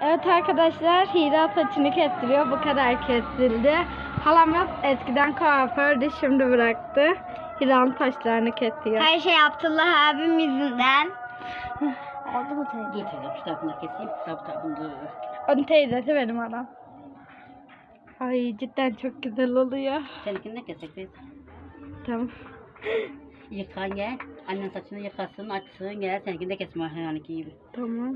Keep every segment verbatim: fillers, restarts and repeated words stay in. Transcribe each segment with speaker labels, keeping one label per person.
Speaker 1: Evet arkadaşlar, Hira saçını kestiriyor. Bu kadar kesildi. Halamız eskiden kuafördü, şimdi bıraktı. Hira'nın saçlarını kesiyor.
Speaker 2: Her şey Abdullah abim yüzünden. Oldu mu teyze?
Speaker 3: Dur teyze şu tarafını keseyim. Şu tarafını dur.
Speaker 1: Onun teyzesi benim adam. Ay cidden çok güzel oluyor.
Speaker 3: Seninkini de kesek teyze.
Speaker 1: Tamam.
Speaker 3: Yıkan gel. Annen saçını yıkasın, açsın gel. Seninkini de kesme yani gibi.
Speaker 1: Tamam.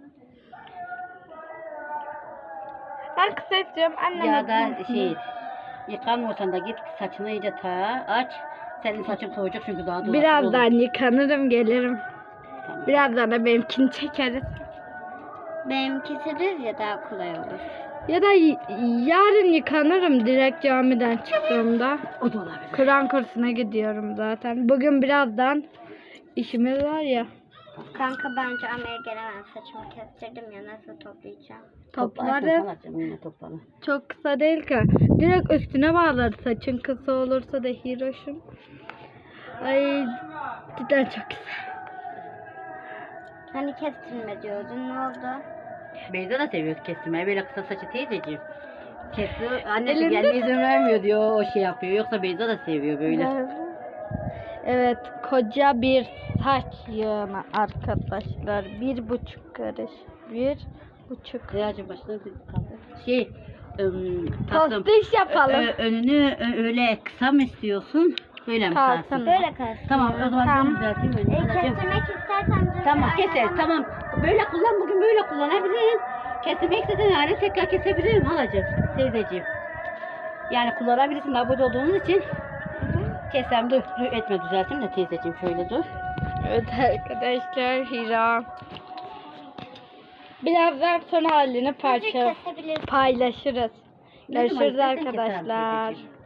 Speaker 1: Ben kısa istiyorum. Annem
Speaker 3: Ya da şey, yıkanmıyorsan da git saçını iyice ta aç. Senin saçın soğuyacak çünkü daha dolaşık
Speaker 1: Birazdan
Speaker 3: olur.
Speaker 1: yıkanırım, gelirim.
Speaker 3: Tamam.
Speaker 1: Birazdan da benimkini çekeriz.
Speaker 2: Benimkisi düz ya daha kolay olur.
Speaker 1: Ya da y- yarın yıkanırım direkt camiden çıktığımda.
Speaker 3: O da olabilir.
Speaker 1: Kur'an kursuna gidiyorum zaten. Bugün birazdan işimiz var ya.
Speaker 2: Kanka bence Amer'e gelemem. Saçımı kestirdim ya, nasıl toplayacağım?
Speaker 1: Toplarım.
Speaker 3: Toplarsın yine toplarım.
Speaker 1: Çok kısa değil ki. Direkt üstüne bağlar saçın kısa olursa da Hiroş'um. Ay cidden çok güzel.
Speaker 2: Hani kestirme diyordun, ne oldu?
Speaker 3: Beyza da seviyor kestirmeyi. Böyle kısa saçı teyzeciğim. Kesiyor. Annesi
Speaker 1: Elinde-
Speaker 3: gelme izin vermiyor diyor. O şey yapıyor. Yoksa Beyza da seviyor böyle.
Speaker 1: Evet, koca bir saç yığını arkadaşlar. Bir buçuk karış. Bir buçuk.
Speaker 3: Reyacığım başına bir kaldı. Şey, ım, tatlım.
Speaker 1: Tostiş yapalım.
Speaker 3: Ö- önünü ö- öyle kısa mı istiyorsun? Böyle mi
Speaker 1: Kalsın.
Speaker 3: kalsın?
Speaker 2: Böyle kestir.
Speaker 3: Tamam o zaman
Speaker 1: Tamam.
Speaker 3: ben düzelteyim
Speaker 2: E,
Speaker 3: önünü. Anacığım.
Speaker 2: kestirmek istersen dur.
Speaker 3: Tamam
Speaker 2: Aynen,
Speaker 3: keseriz
Speaker 2: ama-
Speaker 3: tamam. Böyle kullan bugün böyle kullanabilirim. Kestirmek istesen yani tekrar kesebilirim halacığım, teyzeciğim. Yani kullanabilirsin abone olduğunuz için. Kesem dur, dur etme düzelteyim de teyzeciğim şöyle dur.
Speaker 1: Evet arkadaşlar, Hira. Birazdan son halini parça
Speaker 2: kesebilirsin.
Speaker 1: paylaşırız.
Speaker 3: Ne zaman
Speaker 1: Görüşürüz
Speaker 3: istersen keserim
Speaker 1: arkadaşlar.
Speaker 3: teyzeciğim.